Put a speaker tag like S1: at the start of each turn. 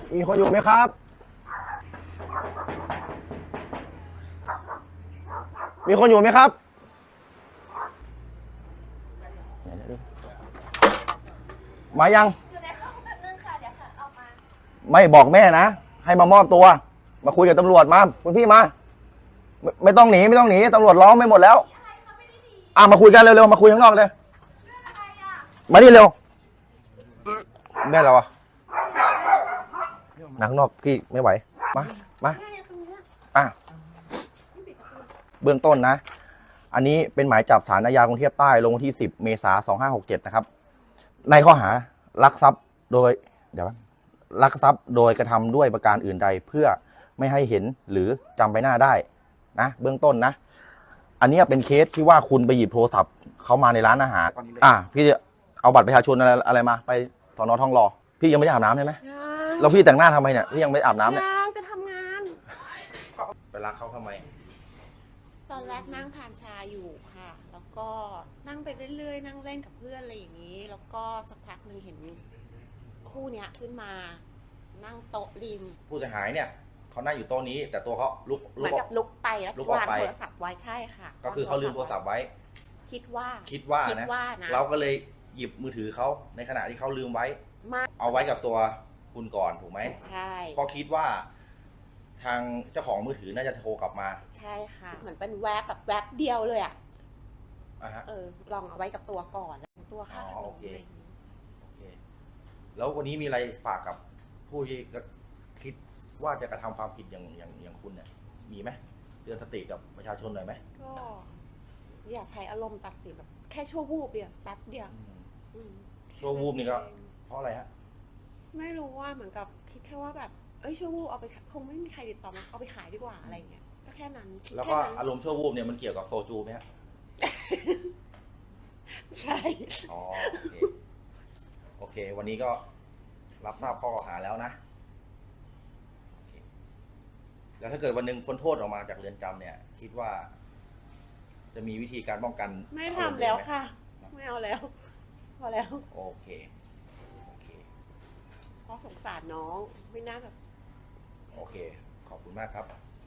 S1: มีคนอยู่ไหมครับ มีคนอยู่ไหมครับมายังอยู่ในห้องแป๊บนึงค่ะเดี๋ยวค่ะออกมาไม่บอกแม่นะให้มามอบตัวมาคุยกับตำรวจมาคุณพี่มาไม่ต้องหนีไม่ต้องหนีตำรวจล้อมไม่หมดแล้วมาคุยกันเร็วๆมาคุยข้างนอกเลยมานี่เร็วแม่เราอะหนังนอกพี่ไม่ไหวมาเบื้องต้นนะอันนี้เป็นหมายจับศาลอาญากรุงเทพใต้ลงวันที่10 เมษายน 2567นะครับในข้อหาลักทรัพย์โดยลักทรัพย์โดยกระทำด้วยประการอื่นใดเพื่อไม่ให้เห็นหรือจำใบหน้าได้นะเบื้องต้นนะอันนี้เป็นเคสที่ว่าคุณไปหยิบโทรศัพท์เขามาในร้านอาหารพี่จะเอาบัตรประชาชนอะไรมาไปสน.ทองหล่อพี่ยังไม่ได้อาบน้ำใช่ไหมแล้วพี่แต่งหน้าทำไมเนี่ยพี่ยังไม่อาบน้ำเนี่ย
S2: ยังจะทำงาน
S1: ไปรักเขาทำไม
S2: ตอนแรกนั่งทานชาอยู่ค่ะแล้วก็นั่งไปเรื่อยๆนั่งเล่นกับเพื่อนอะไรอย่างนี้แล้วก็สักพักหนึ่งเห็นคู่เนี้ยขึ้นมานั่งโต๊ะริม
S1: ผู้เสียหายเนี่ยเขานั่งอยู่โต๊ะนี้แต่ตัวเขาลุก
S2: เหมือนกับลุกไปแล้ววางโทรศัพท์ไว้ใช่ค่ะ
S1: ก็คือเขาลืมโทรศัพท์ไว้
S2: คิดว่า
S1: นะเราก็เลยหยิบมือถือเขาในขณะที่เขาลืมไว้เอาไว้กับตัวคุณก่อนถูกไหม
S2: ใช่
S1: เพราะคิดว่าทางเจ้าของมือถือน่าจะโทรกลับมา
S2: ใช่ค่ะเหมือนเป็นแวบแบบแวบเดียวเลยลองเอาไว้กับตัวก่อนตัวค่ะ
S1: โอเคแล้ววันนี้มีอะไรฝากกับผู้ที่คิดว่าจะกระทำความผิดอย่างคุณเนี่ยมีไหมเตือนสติกับประชาชนหน่อยไหม
S2: ก็อย่าใช้อารมณ์ตัดสินแบบแค่ชั่ววูบเดียวแป๊บเดียว
S1: ชั่ววูบนี่ก็เพราะอะไรฮะ
S2: ไม่รู้ว่าเหมือนกับคิดแค่ว่าแบบชั่ววูบเอาไปคงไม่มีใครติดต่อมาเอาไปขายดีกว่าอะไรเงี้ยก็แค่นั้น
S1: แล้วก็อารมณ์ชั่ววูบเนี่ยมันเกี่ยวกับโซจูไหมฮะ
S2: ใช่
S1: โอเควันนี้ก็รับทราบข้อกล่าวหาแล้วนะแล้วถ้าเกิดวันหนึ่งพ้นโทษออกมาจากเรือนจำเนี่ยคิดว่าจะมีวิธีการป้องกัน
S2: ไม่ทำแล้วค่ะไม่เอาแล้วพอแล้ว
S1: โอเค
S2: เพราะสงสารน้องไม่น่าแบบ
S1: โอเคขอบคุณมากครับ